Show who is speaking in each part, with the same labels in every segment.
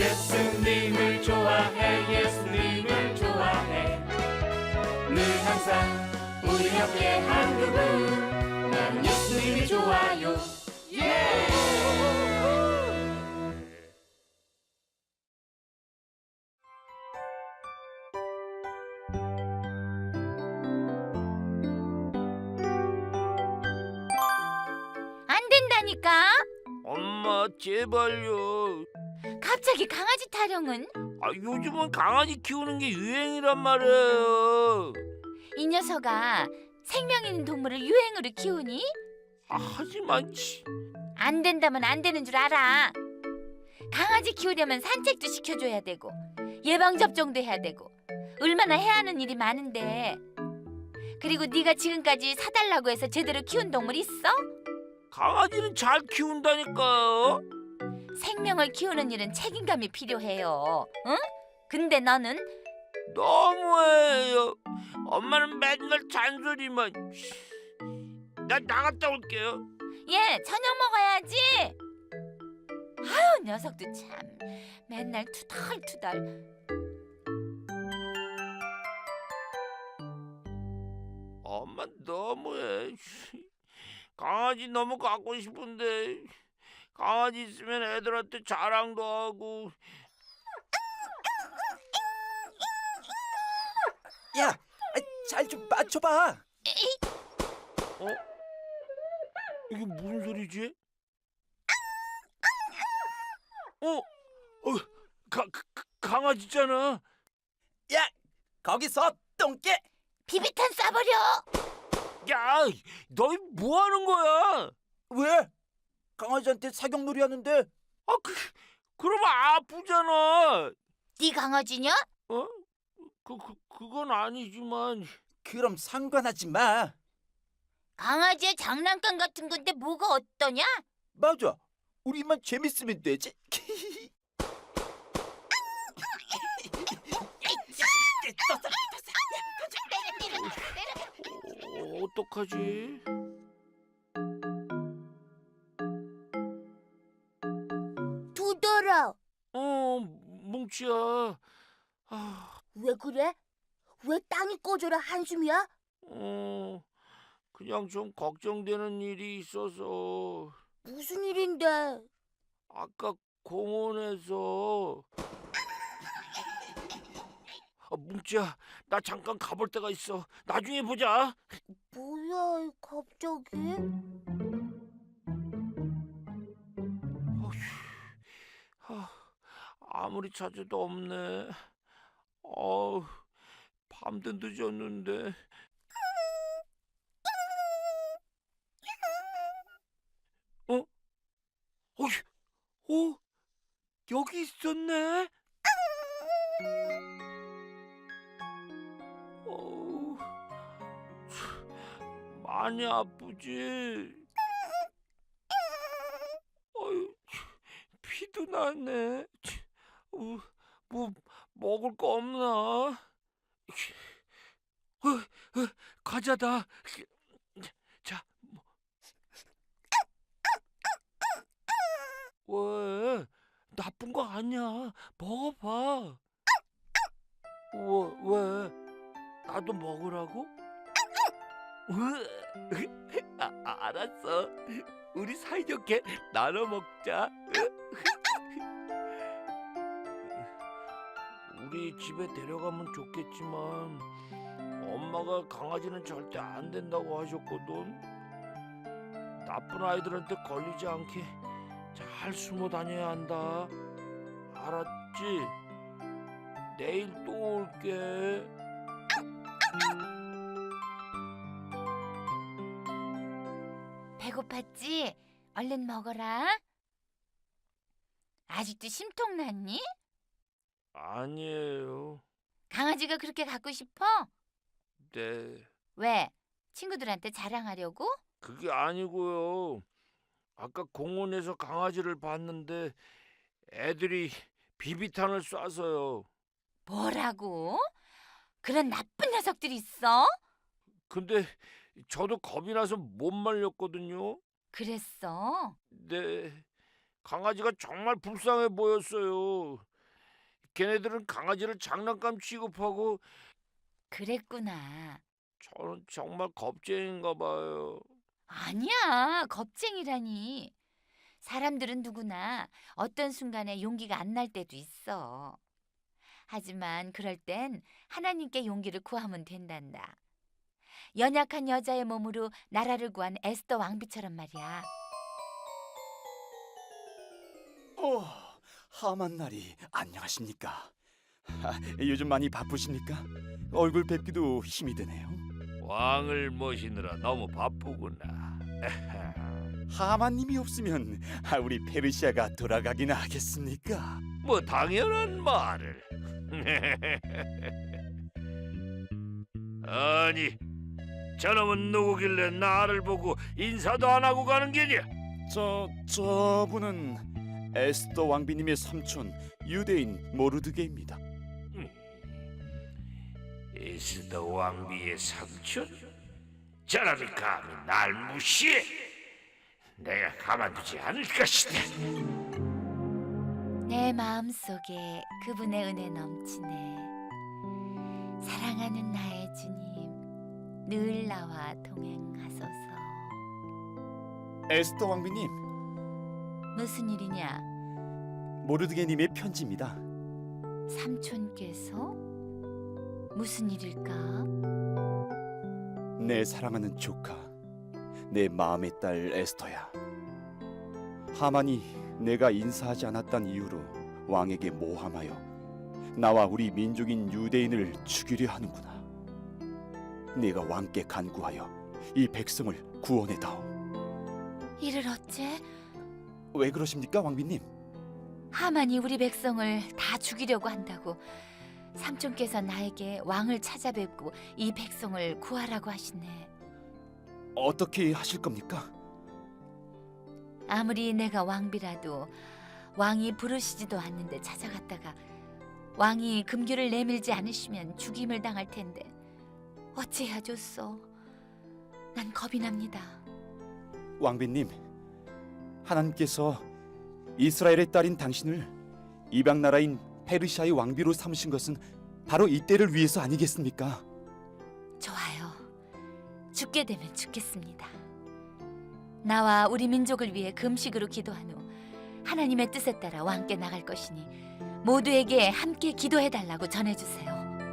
Speaker 1: 예수님을 좋아해 예수님을 좋아해 늘 항상 우리 옆에 한 그분 나는 예수님이 좋아요 예!
Speaker 2: 안 된다니까.
Speaker 3: 엄마 제발요.
Speaker 2: 갑자기 강아지 타령은?
Speaker 3: 요즘은 강아지 키우는 게 유행이란 말이에요.
Speaker 2: 이 녀석아, 생명 있는 동물을 유행으로 키우니?
Speaker 3: 하지만
Speaker 2: 안 된다면 안 되는 줄 알아. 강아지 키우려면 산책도 시켜줘야 되고 예방접종도 해야 되고 얼마나 해야 하는 일이 많은데. 그리고 네가 지금까지 사달라고 해서 제대로 키운 동물 있어?
Speaker 3: 강아지는 잘 키운다니까요.
Speaker 2: 생명을 키우는 일은 책임감이 필요해요. 응? 근데 너는?
Speaker 3: 너무해요. 엄마는 맨날 잔소리만. 나 나갔다 올게요.
Speaker 2: 예, 저녁 먹어야지. 아유, 녀석도 참 맨날 투덜투덜.
Speaker 3: 엄마 너무해. 강아지 너무 갖고 싶은데 강아지 있으면 애들한테 자랑도 하고.
Speaker 4: 야, 잘 좀 맞춰봐.
Speaker 3: 이게 무슨 소리지? 강아지잖아.
Speaker 4: 야, 거기서 똥개.
Speaker 2: 비비탄 쏴버려.
Speaker 3: 야, 너희 뭐 하는 거야?
Speaker 4: 왜? 강아지한테 사격놀이 하는데.
Speaker 3: 그러면 아프잖아.
Speaker 2: 네 강아지냐?
Speaker 3: 그건 아니지만.
Speaker 4: 그럼 상관하지 마.
Speaker 2: 강아지의 장난감 같은 건데 뭐가 어떠냐?
Speaker 4: 맞아. 우리만 재밌으면 되지.
Speaker 3: 어떡하지?
Speaker 2: 두더라.
Speaker 3: 뭉치야.
Speaker 2: 왜 그래? 왜 땅이 꺼져라 한숨이야?
Speaker 3: 그냥 좀 걱정되는 일이 있어서.
Speaker 2: 무슨 일인데?
Speaker 3: 아까 공원에서. 뭉치야, 나 잠깐 가볼 데가 있어. 나중에 보자.
Speaker 2: 뭐야, 갑자기?
Speaker 3: 아무리 찾아도 없네. 밤도 늦었는데. 여기 있었네. 많이 아프지? 피도 나네. 뭐 먹을 거 없나? 과자다. 자, 왜? 나쁜 거 아니야. 먹어봐. 왜? 나도 먹으라고? 알았어. 우리 사이좋게 나눠 먹자. 우리 집에 데려가면 좋겠지만 엄마가 강아지는 절대 안 된다고 하셨거든. 나쁜 아이들한테 걸리지 않게 잘 숨어 다녀야 한다. 알았지? 내일 또 올게.
Speaker 2: 배고팠지? 얼른 먹어라. 아직도 심통 났니?
Speaker 3: 아니에요.
Speaker 2: 강아지가 그렇게 갖고 싶어?
Speaker 3: 네.
Speaker 2: 왜? 친구들한테 자랑하려고?
Speaker 3: 그게 아니고요. 아까 공원에서 강아지를 봤는데 애들이 비비탄을 쏴서요.
Speaker 2: 뭐라고? 그런 나쁜 녀석들이 있어?
Speaker 3: 근데 저도 겁이 나서 못 말렸거든요.
Speaker 2: 그랬어?
Speaker 3: 네. 강아지가 정말 불쌍해 보였어요. 걔네들은 강아지를 장난감 취급하고
Speaker 2: 그랬구나.
Speaker 3: 저는 정말 겁쟁인가 봐요.
Speaker 2: 아니야, 겁쟁이라니. 사람들은 누구나 어떤 순간에 용기가 안 날 때도 있어. 하지만 그럴 땐 하나님께 용기를 구하면 된단다. 연약한 여자의 몸으로 나라를 구한 에스더 왕비처럼 말이야.
Speaker 4: 하만 나리 안녕하십니까? 요즘 많이 바쁘십니까? 얼굴 뵙기도 힘이 드네요.
Speaker 3: 왕을 모시느라 너무 바쁘구나.
Speaker 4: 하만님이 없으면 우리 페르시아가 돌아가기나 하겠습니까?
Speaker 3: 뭐 당연한 말을. 아니, 저놈은 누구길래 나를 보고 인사도 안 하고 가는 게냐?
Speaker 4: 저분은 에스더 왕비님의 삼촌 유대인 모르드게입니다.
Speaker 3: 에스더 왕비의 삼촌? 저놈이 감히 날 무시해? 내가 가만두지 않을 것이다.
Speaker 2: 내 마음속에 그분의 은혜 넘치네. 사랑하는 나의 주님, 늘 나와 동행하소서.
Speaker 4: 에스더 왕비님,
Speaker 2: 무슨 일이냐?
Speaker 4: 모르드게님의 편지입니다.
Speaker 2: 삼촌께서? 무슨 일일까?
Speaker 4: 내 사랑하는 조카, 내 마음의 딸 에스더야. 하만이 내가 인사하지 않았단 이유로 왕에게 모함하여 나와 우리 민족인 유대인을 죽이려 하는구나. 네가 왕께 간구하여 이 백성을 구원해다오.
Speaker 2: 이를 어째?
Speaker 4: 왜 그러십니까, 왕비님?
Speaker 2: 하만이 우리 백성을 다 죽이려고 한다고 삼촌께서 나에게 왕을 찾아뵙고 이 백성을 구하라고 하시네.
Speaker 4: 어떻게 하실 겁니까?
Speaker 2: 아무리 내가 왕비라도 왕이 부르시지도 않는데 찾아갔다가 왕이 금규를 내밀지 않으시면 죽임을 당할 텐데 어찌해야 좋소? 난 겁이 납니다.
Speaker 4: 왕비님, 하나님께서 이스라엘의 딸인 당신을 이방 나라인 페르시아의 왕비로 삼으신 것은 바로 이때를 위해서 아니겠습니까?
Speaker 2: 좋아요. 죽게 되면 죽겠습니다. 나와 우리 민족을 위해 금식으로 기도한 후 하나님의 뜻에 따라 왕께 나갈 것이니 모두에게 함께 기도해달라고 전해주세요.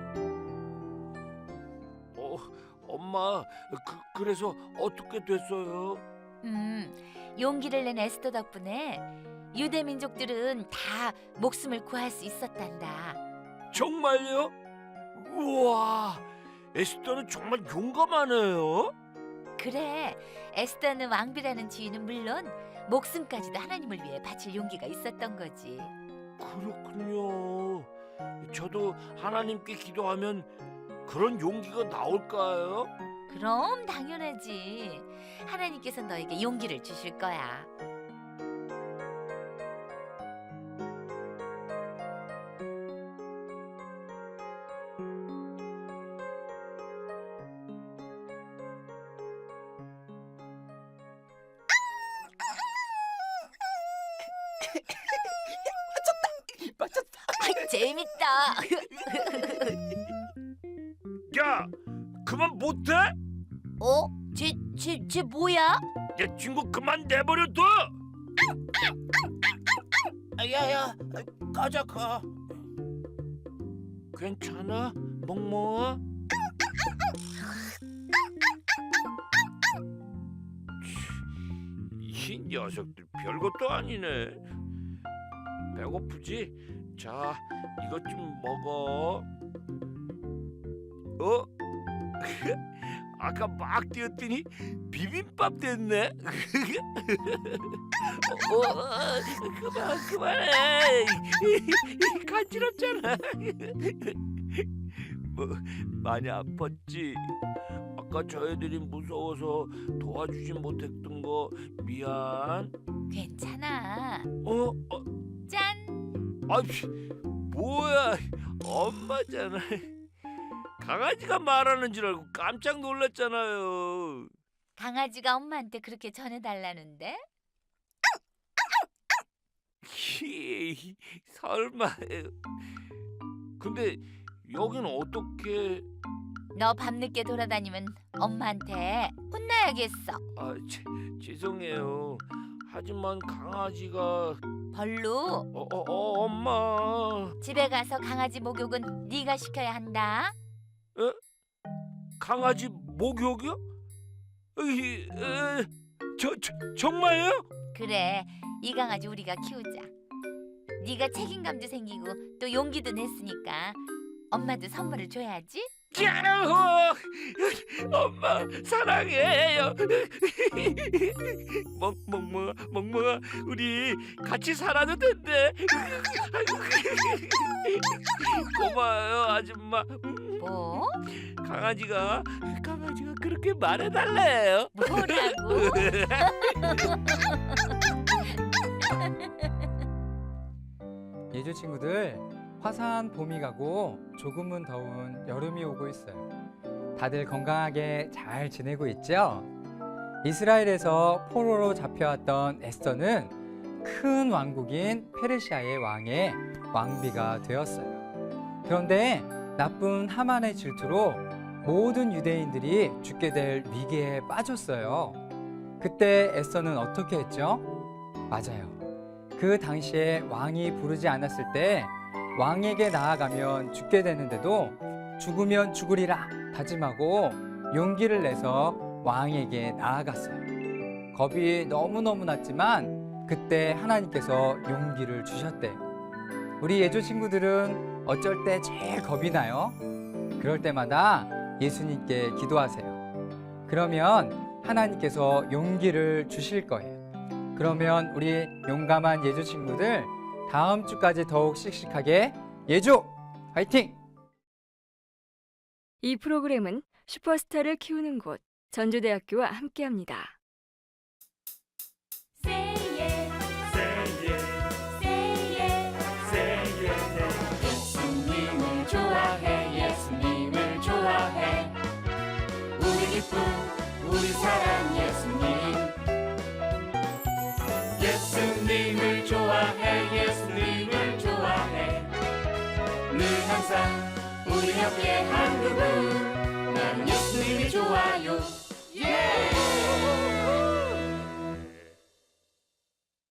Speaker 3: 엄마, 그래서 어떻게 됐어요?
Speaker 2: 용기를 낸 에스더 덕분에 유대 민족들은 다 목숨을 구할 수 있었단다.
Speaker 3: 정말요? 우와, 에스더는 정말 용감하네요.
Speaker 2: 그래, 에스더는 왕비라는 지위는 물론 목숨까지도 하나님을 위해 바칠 용기가 있었던 거지.
Speaker 3: 그렇군요. 저도 하나님께 기도하면 그런 용기가 나올까요?
Speaker 2: 그럼 당연하지. 하나님께서 너에게 용기를 주실 거야.
Speaker 4: 맞췄다.
Speaker 2: 아이, 재밌다.
Speaker 3: 야, 그만 못해?
Speaker 2: 어? 쟤 뭐야?
Speaker 3: 야, 친구 그만 내버려둬.
Speaker 4: 야야, 가자 가.
Speaker 3: 괜찮아, 멍멍아? 이 녀석들 별것도 아니네. 배고프지? 자, 이것 좀 먹어. 어? 아까 막 뛰었더니 비빔밥 됐네. 그만해. 간지럽잖아. 뭐 많이 아팠지? 아까 저 애들이 무서워서 도와주지 못했던 거 미안.
Speaker 2: 괜찮아. 짠.
Speaker 3: 아이, 뭐야? 엄마잖아. 강아지가 말하는 줄 알고 깜짝 놀랐잖아요.
Speaker 2: 강아지가 엄마한테 그렇게 전해달라는데?
Speaker 3: 설마. 근데 여긴 어떻게?
Speaker 2: 너 밤늦게 돌아다니면 엄마한테 혼나야겠어.
Speaker 3: 죄송해요. 하지만 강아지가
Speaker 2: 벌로
Speaker 3: 엄마.
Speaker 2: 집에 가서 강아지 목욕은 네가 시켜야 한다.
Speaker 3: 강아지 목욕이요? 정말요?
Speaker 2: 그래, 이 강아지 우리가 키우자. 네가 책임감도 생기고 또 용기도 냈으니까 엄마도 선물을 줘야지.
Speaker 3: 야호! 엄마 사랑해요. 멍멍아 우리 같이 살아도 된대. 고마워요 아줌마.
Speaker 2: 뭐?
Speaker 3: 강아지가 그렇게 말해달래요.
Speaker 2: 뭐라고?
Speaker 5: 예조 친구들, 화사한 봄이 가고 조금은 더운 여름이 오고 있어요. 다들 건강하게 잘 지내고 있죠? 이스라엘에서 포로로 잡혀왔던 에스더는 큰 왕국인 페르시아의 왕의 왕비가 되었어요. 그런데 나쁜 하만의 질투로 모든 유대인들이 죽게 될 위기에 빠졌어요. 그때 에스더는 어떻게 했죠? 맞아요. 그 당시에 왕이 부르지 않았을 때 왕에게 나아가면 죽게 되는데도 죽으면 죽으리라 다짐하고 용기를 내서 왕에게 나아갔어요. 겁이 너무너무 났지만 그때 하나님께서 용기를 주셨대요. 우리 예조 친구들은 어쩔 때 제일 겁이 나요? 그럴 때마다 예수님께 기도하세요. 그러면 하나님께서 용기를 주실 거예요. 그러면 우리 용감한 예조 친구들 다음 주까지 더욱 씩씩하게 예조 화이팅!
Speaker 6: 이 프로그램은 슈퍼스타를 키우는 곳 전주대학교와 함께합니다.